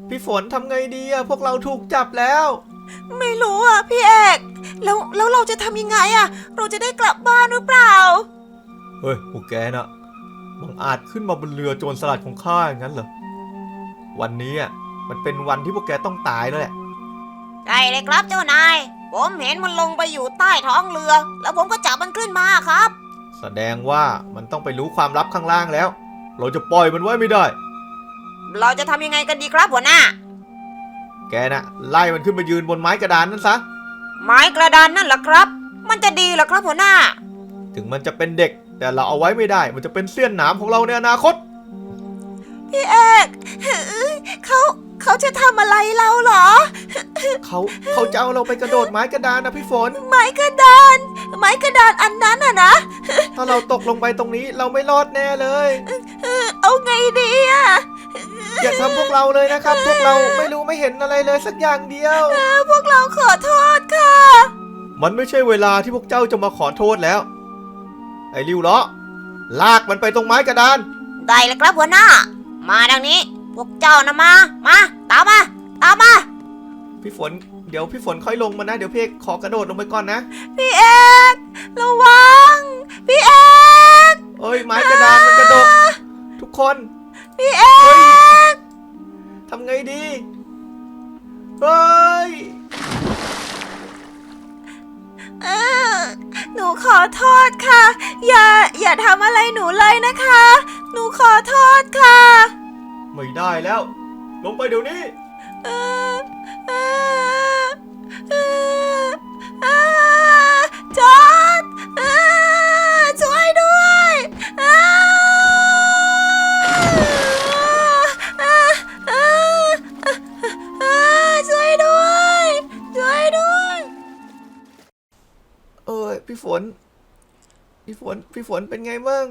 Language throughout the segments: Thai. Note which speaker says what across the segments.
Speaker 1: พี่ฝนทำไงดีอะพวกเราถูกจับแล้ว
Speaker 2: ไม่รู้อ่ะพี่เอกแล้วเราจะทำยังไงอ่ะเราจะได้กลับบ้านหรือเปล่า
Speaker 1: เฮ้ยพวกแกน่ะบังอาจขึ้นมาบนเรือโจรสลัดของข้าอย่างนั้นเหรอวันนี้อ่ะมันเป็นวันที่พวกแกต้องตายแล้วแหละ
Speaker 2: ใช่เลยครับเจ้านายผมเห็นมันลงไปอยู่ใต้ท้องเรือแล้วผมก็จับมันขึ้นมาครับ
Speaker 1: แสดงว่ามันต้องไปรู้ความลับข้างล่างแล้วเราจะปล่อยมันไว้ไม่ได้
Speaker 2: เราจะทำยังไงกันดีครับหัวหน้า
Speaker 1: แกน่ะไล่มันขึ้นมายืนบนไม้กระดานนั่นซะ
Speaker 2: ไม้กระดานนั่นเหรอครับมันจะดีเหรอครับหัวหน้า
Speaker 1: ถึงมันจะเป็นเด็กแต่เราเอาไว้ไม่ได้มันจะเป็นเสี้ยนหนามของเราในอนาคต
Speaker 2: พี่เอกเขาจะทำอะไรเราเหรอ
Speaker 1: เขาจะเอาเราไปกระโดดไม้กระดานนะพี่ฝน
Speaker 2: ไม้กระดานอันนั้นอ่ะนะ
Speaker 1: ถ้าเราตกลงไปตรงนี้เราไม่รอดแน่เลย
Speaker 2: เอาไงดีอ่ะ
Speaker 1: อย่าทำพวกเราเลยนะครับพวกเราไม่รู้ไม่เห็นอะไรเลยสักอย่างเดียว
Speaker 2: พวกเราขอโทษค่ะ
Speaker 1: มันไม่ใช่เวลาที่พวกเจ้าจะมาขอโทษแล้วไอ้ริ้วล้อลากมันไปตรงไม้กระดาน
Speaker 2: ได้เลยครับหัวหน้ามาดังนี้พวกเจ้านะมาตามมา
Speaker 1: พี่ฝนเดี๋ยวพี่ฝนค่อยลงมานะเดี๋ยวพี่เอกขอกระโดดลงไปก่อนนะ
Speaker 2: พี่เอกระวังพี่เอก
Speaker 1: เอ้ยไม้กระดานมันกระโดดทุกคน
Speaker 2: พี่เอก
Speaker 1: ทำไงดีเฮ้ย
Speaker 2: หนูขอโทษค่ะอย่าทำอะไรหนูเลยนะคะหนูขอโทษค่ะ
Speaker 1: ไม่ได้แล้วลงไปเดี๋ยวนี้
Speaker 2: จอร์จช่วยด้วยช่วยด้วย
Speaker 1: พี่ฝนเป็นไงบ้าง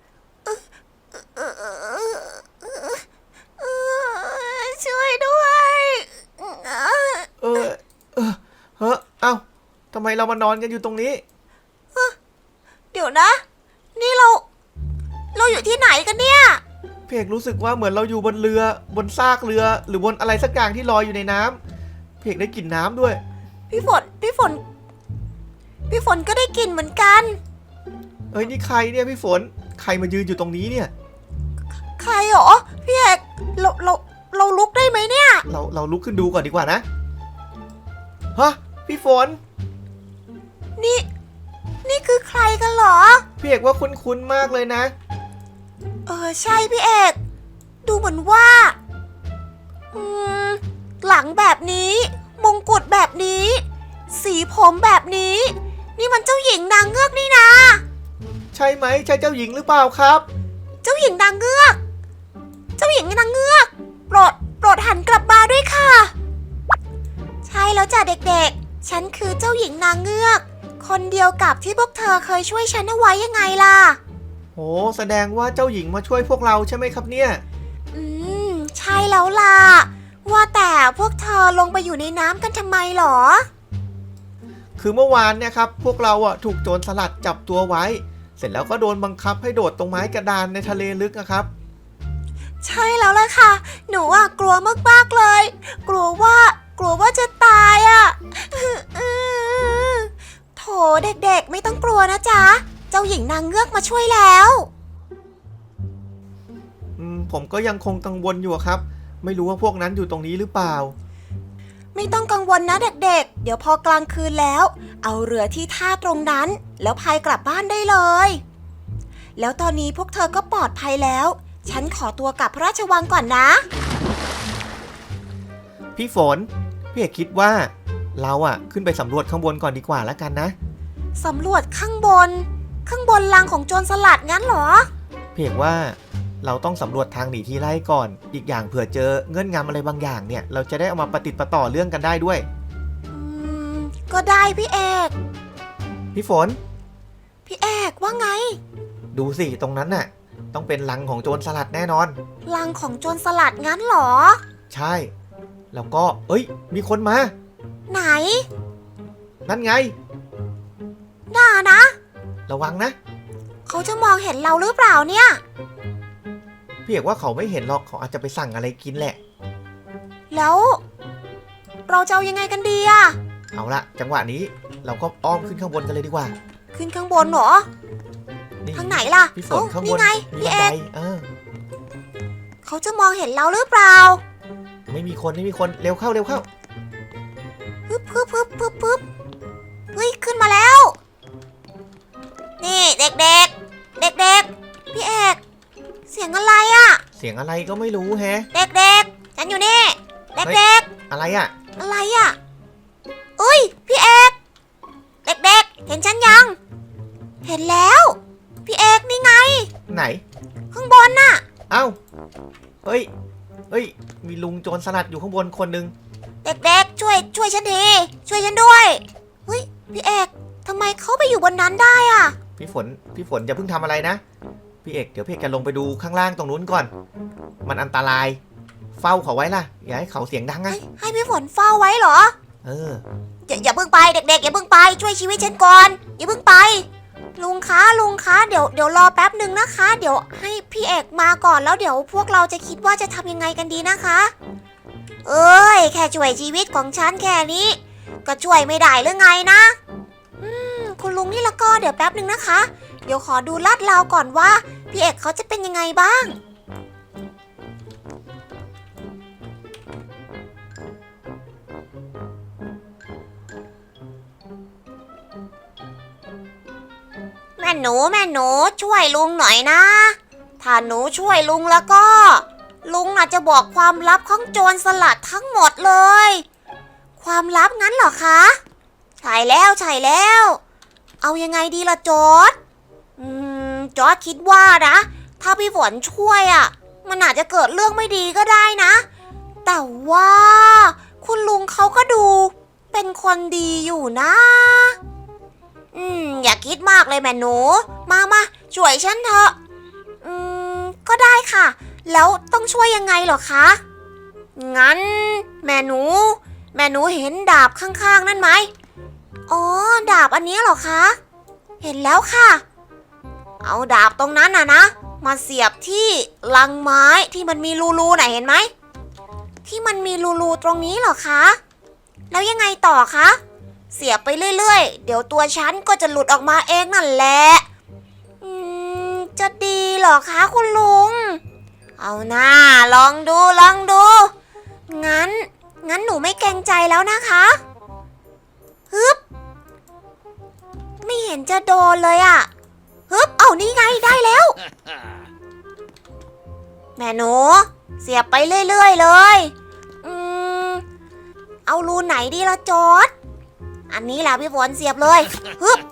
Speaker 2: ช่วยด้วย
Speaker 1: เอ้าทำไมเรามานอนกันอยู่ตรงนี้
Speaker 2: เดี๋ยวนะนี่เราอยู่ที่ไหนกันเนี่ย
Speaker 1: พี่เอกรู้สึกว่าเหมือนเราอยู่บนเรือบนซากเรือหรือบนอะไรสักอย่างที่ลอยอยู่ในน้ำพี่เอกได้กลิ่นน้ำด้วย
Speaker 2: พี่ฝนก็ได้กลิ่นเหมือนกัน
Speaker 1: นี่ใครเนี่ยพี่ฝนใครมายืนอยู่ตรงนี้เนี่ย
Speaker 2: ใครหรอพี่เอกเราลุกได้ไหมเนี่ย
Speaker 1: เราลุกขึ้นดูก่อนดีกว่านะฮะพี่ฝน
Speaker 2: นี่คือใครกันเหรอ
Speaker 1: พี่เอกว่าคุ้นๆมากเลยนะ
Speaker 2: ใช่พี่เอกดูเหมือนว่าหลังแบบนี้มงกุฎแบบนี้สีผมแบบนี้นี่มันเจ้าหญิงนางเงือกนี่นะ
Speaker 1: ใช่ไหมใช่เจ้าหญิงหรือเปล่าครับ
Speaker 2: เจ้าหญิงนางเงือกโปรดหันกลับมาด้วยค่ะใช่แล้วจ้ะเด็กๆฉันคือเจ้าหญิงนางเงือกคนเดียวกับที่พวกเธอเคยช่วยฉันเอาไว้ยังไงล่ะ
Speaker 1: โหแสดงว่าเจ้าหญิงมาช่วยพวกเราใช่ไหมครับเนี่ย
Speaker 2: ใช่แล้วล่ะว่าแต่พวกเธอลงไปอยู่ในน้ำกันทำไมหรอ
Speaker 1: คือเมื่อวานเนี่ยครับพวกเราถูกโจรสลัดจับตัวไว้เสร็จแล้วก็โดนบังคับให้โดดตรงไม้กระดานในทะเลลึกนะครับ
Speaker 2: ใช่แล้วล่ะค่ะหนูกลัวมากๆเลยกลัวว่าจะตายโถเด็กๆไม่ต้องกลัวนะจ๊ะเจ้าหญิงนางเงือกมาช่วยแล้ว
Speaker 1: ผมก็ยังคงกังวลอยู่ครับไม่รู้ว่าพวกนั้นอยู่ตรงนี้หรือเปล่า
Speaker 2: ไม่ต้องกังวลนะเด็กๆเดี๋ยวพอกลางคืนแล้วเอาเรือที่ท่าตรงนั้นแล้วพายกลับบ้านได้เลยแล้วตอนนี้พวกเธอก็ปลอดภัยแล้วฉันขอตัวกลับพระราชวังก่อนนะ
Speaker 1: พี่ฝนพี่เอกคิดว่าเราขึ้นไปสำรวจข้างบนก่อนดีกว่าแล้วกันนะ
Speaker 2: สำรวจข้างบนรังของโจรสลัดงั้นเหรอ
Speaker 1: พี่เอกว่าเราต้องสำรวจทางหนีทีไล่ก่อนอีกอย่างเผื่อเจอเงื่อนงำอะไรบางอย่างเนี่ยเราจะได้เอามาประติดประต่อเรื่องกันได้ด้วย
Speaker 2: ก็ได้พี่เอก
Speaker 1: พี่ฝน
Speaker 2: พี่เอกว่าไง
Speaker 1: ดูสิตรงนั้นน่ะต้องเป็นรังของโจรสลัดแน่นอน
Speaker 2: รังของโจรสลัดงั้นเหรอ
Speaker 1: ใช่แล้วก็มีคนมา
Speaker 2: ไหน
Speaker 1: นั่นไง
Speaker 2: น่านะ
Speaker 1: ระวังนะ
Speaker 2: เขาจะมองเห็นเราหรือเปล่าเนี่ย
Speaker 1: พี่เอกว่าเขาไม่เห็นหรอกเขาอาจจะไปสั่งอะไรกินแหละ
Speaker 2: แล้ว เราจะเอายังไงกันดีอะ
Speaker 1: เอาละจังหวะนี้เราก็อ้อมขึ้นข้างบนกันเลยดีกว่า
Speaker 2: ขึ้นข้างบนเหรอ
Speaker 1: นี่
Speaker 2: ทางไหนล่ะ
Speaker 1: พี่ฝนข้างบ
Speaker 2: นี่
Speaker 1: น
Speaker 2: ไง
Speaker 1: มี
Speaker 2: พี่
Speaker 1: บัน
Speaker 2: เอ
Speaker 1: ได
Speaker 2: ก เขาจะมองเห็นเราหรือเปล่า
Speaker 1: ไม่มีคนเร็วเข้า
Speaker 2: ฮึบฮึบฮึบฮึบฮึบเฮ้ยขึ้นมาแล้ว นี่เด็กๆ เด็กๆ พี่เอก เสียงอะไรอะ
Speaker 1: เสียงอะไรก็ไม่รู้แฮะ
Speaker 2: เด็กๆ ฉันอยู่นี่ เด็ก
Speaker 1: อะไรอ่ะ
Speaker 2: ๆ อะไรอะอุ้ยพี่เอก เด็กๆ เห็นฉันยัง เห็นแล้ว พี่เอกนี่ไง
Speaker 1: ไหน
Speaker 2: ข้างบนน่ะ
Speaker 1: เอ้าเฮ้ยมีลุงโจรสลัดอยู่ข้างบนคนหนึ่ง
Speaker 2: เด็กๆ ช่วยฉันที ช่วยฉันด้วยเฮ้ยพี่เอกทำไมเขาไปอยู่บนนั้นได้อะ
Speaker 1: พี่ฝนอย่าเพิ่งทำอะไรนะพี่เอกเดี๋ยวพี่เอกจะลงไปดูข้างล่างตรงนู้นก่อน มันอันตราย เฝ้าเขาไว้ล่ะอย่าให้เขาเสียงดังนะ
Speaker 2: ให้พี่ฝนเฝ้าไว้เหรอ
Speaker 1: เออ
Speaker 2: อย่าเพิ่งไปเด็กๆอย่าเพิ่งไปช่วยชีวิตฉันก่อนอย่าเพิ่งไป ลุงคะเดี๋ยวรอแป๊บหนึ่งนะคะ เดี๋ยวให้พี่เอกมาก่อนแล้วเดี๋ยวพวกเราจะคิดว่าจะทำยังไงกันดีนะคะ เอ้ยแค่ช่วยชีวิตของฉันแค่นี้ ก็ช่วยไม่ได้หรือไงนะคุณลุงนี่ละก็เดี๋ยวแป๊บหนึ่งนะคะ เดี๋ยวขอดูลาดราวก่อนว่าพี่เอกเขาจะเป็นยังไงบ้าง แม่หนูช่วยลุงหน่อยนะ ถ้าหนูช่วยลุงแล้วก็ ลุงอาจจะบอกความลับของโจรสลัดทั้งหมดเลย ความลับงั้นเหรอคะใช่แล้ว เอายังไงดีล่ะจอร์จจอร์จคิดว่านะ ถ้าพี่ฝนช่วยอ่ะ มันอาจจะเกิดเรื่องไม่ดีก็ได้นะ แต่ว่าคุณลุงเขาก็ดูเป็นคนดีอยู่นะอย่าคิดมากเลยแม่หนูมาช่วยฉันเถอะก็ได้ค่ะ แล้วต้องช่วยยังไงเหรอคะงั้นแม่หนูเห็นดาบข้างๆนั่นไหมอ๋อดาบอันนี้เหรอคะเห็นแล้วค่ะ เอาดาบตรงนั้นนะมาเสียบที่ลังไม้ที่มันมีรูไหนเห็นไหมที่มันมีรูตรงนี้เหรอคะแล้วยังไงต่อคะเสียบไปเรื่อยๆเดี๋ยวตัวฉันก็จะหลุดออกมาเองนั่นแหละจะดีเหรอคะคุณลุงเอาหน้าลองดูงั้นหนูไม่เกรงใจแล้วนะคะฮึบไม่เห็นจะโดนเลยอะฮึบเอานี่ไงได้แล้วแม่หนูเสียบไปเรื่อยๆเลยเอารูไหนดีละจอร์จอันนี้แหละพี่ฝนเสียบเลยฮึบ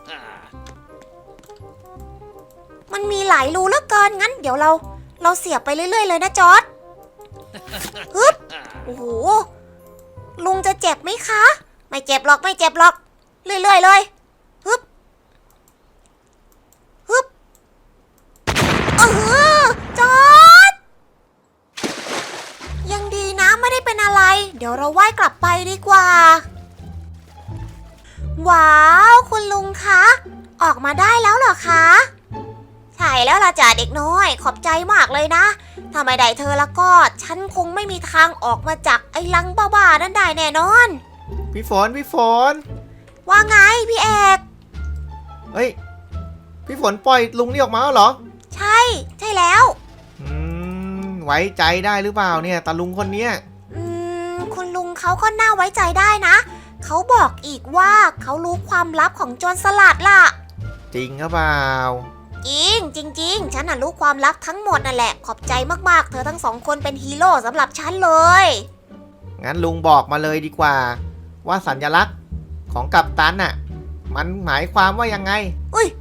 Speaker 2: มันมีหลายรูเหลือเกินงั้นเดี๋ยวเราเสียบไปเรื่อยๆเลยนะจอร์จฮึบโอ้โหลุงจะเจ็บไหมคะไม่เจ็บหรอกเรื่อยๆเลยฮึบจอร์จยังดีนะไม่ได้เป็นอะไรเดี๋ยวเราว่ายกลับไปดีกว่าว้าวคุณลุงคะออกมาได้แล้วเหรอคะใช่แล้วล่ะจ่าเด็กน้อยขอบใจมากเลยนะถ้าไม่ได้เธอแล้วก็ฉันคงไม่มีทางออกมาจากไอ้ลังบ้าๆนั่นได้แน่นอน
Speaker 1: พี่ฝน
Speaker 2: ว่าไงพี่เอก
Speaker 1: เฮ้ยพี่ฝนปล่อยลุงนี่ออกมาแล้วเหรอ
Speaker 2: ใช่แล้ว
Speaker 1: ไว้ใจได้หรือเปล่าเนี่ยตาลุงคนเนี้ย
Speaker 2: คุณลุงเขาก็น่าไว้ใจได้นะเขาบอกอีกว่าเขารู้ความลับของโจรสลัดล่ะ
Speaker 1: จริงหรือเปล่า
Speaker 2: จริงฉันน่ะรู้ความลับทั้งหมดนั่นแหละขอบใจมากๆเธอทั้งสองคนเป็นฮีโร่สำหรับฉันเลย
Speaker 1: งั้นลุงบอกมาเลยดีกว่าว่าสัญลักษณ์ของกัปตันน่ะมันหมายความว่ายังไง
Speaker 2: อุ้ย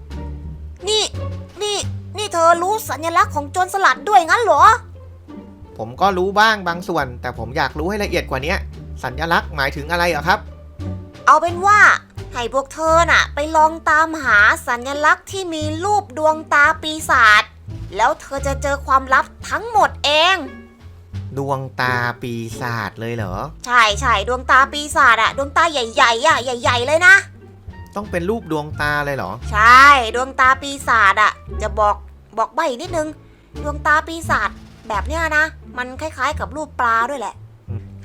Speaker 2: นี่เธอรู้สัญลักษณ์ของโจรสลัดด้วยงั้นเหรอ
Speaker 1: ผมก็รู้บ้างบางส่วนแต่ผมอยากรู้ให้ละเอียดกว่านี้สัญลักษณ์หมายถึงอะไรเหรอครับ
Speaker 2: เอาเป็นว่าให้พวกเธอน่ะไปลองตามหาสัญลักษณ์ที่มีรูปดวงตาปีศาจแล้วเธอจะเจอความลับทั้งหมดเอง
Speaker 1: ดวงตาปีศาจเลยเหรอ
Speaker 2: ใช่ดวงตาปีศาจอะดวงตาใหญ่ๆอะใหญ่ๆเลยนะ
Speaker 1: ต้องเป็นรูปดวงตาเลยเหรอ
Speaker 2: ใช่ดวงตาปีศาจอะจะบอกใบนิดนึงดวงตาปีศาจแบบเนี้ยนะมันคล้ายๆกับรูปปลาด้วยแหละ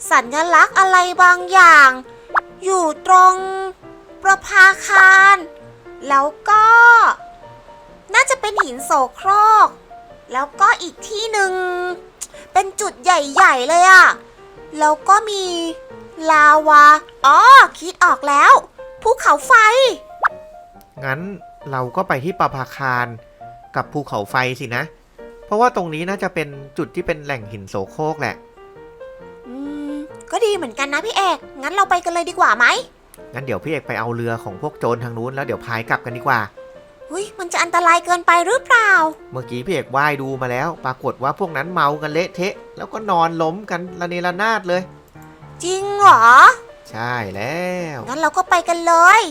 Speaker 2: สัญลักษณ์อะไรบางอย่าง อยู่ตรงประภาคารแล้วก็น่าจะเป็นหินโสโครกแล้วก็อีกที่หนึ่งเป็นจุดใหญ่ๆเลยอะแล้วก็มีลาวาอ๋อคิดออกแล้วภูเขาไฟ
Speaker 1: งั้นเราก็ไปที่ประภาคารกับภูเขาไฟสินะ เพราะว่าตรงนี้น่าจะเป็นจุดที่เป็นแหล่งหินโสโครกแหละ
Speaker 2: อืมก็ดีเหมือนกันนะพี่เอกงั้นเราไปกันเลยดีกว่าไหม
Speaker 1: งั้นเดี๋ยวพี่เอกไปเอาเรือของพวกโจรทางนู้นแล้วเดี๋ยวพายกลับกันดีกว่า
Speaker 2: หุ้ยมันจะอันตรายเกินไปหรือเปล่า
Speaker 1: เมื่อกี้พี่เอกว่ายดูมาแล้ว ปรากฏว่าพวกนั้นเมากันเละเทะ แล้วก็นอนล้มกันระเนระนาดเลย
Speaker 2: จริงเหรอ
Speaker 1: ใช่แล้ว
Speaker 2: งั้นเราก็ไปกันเลย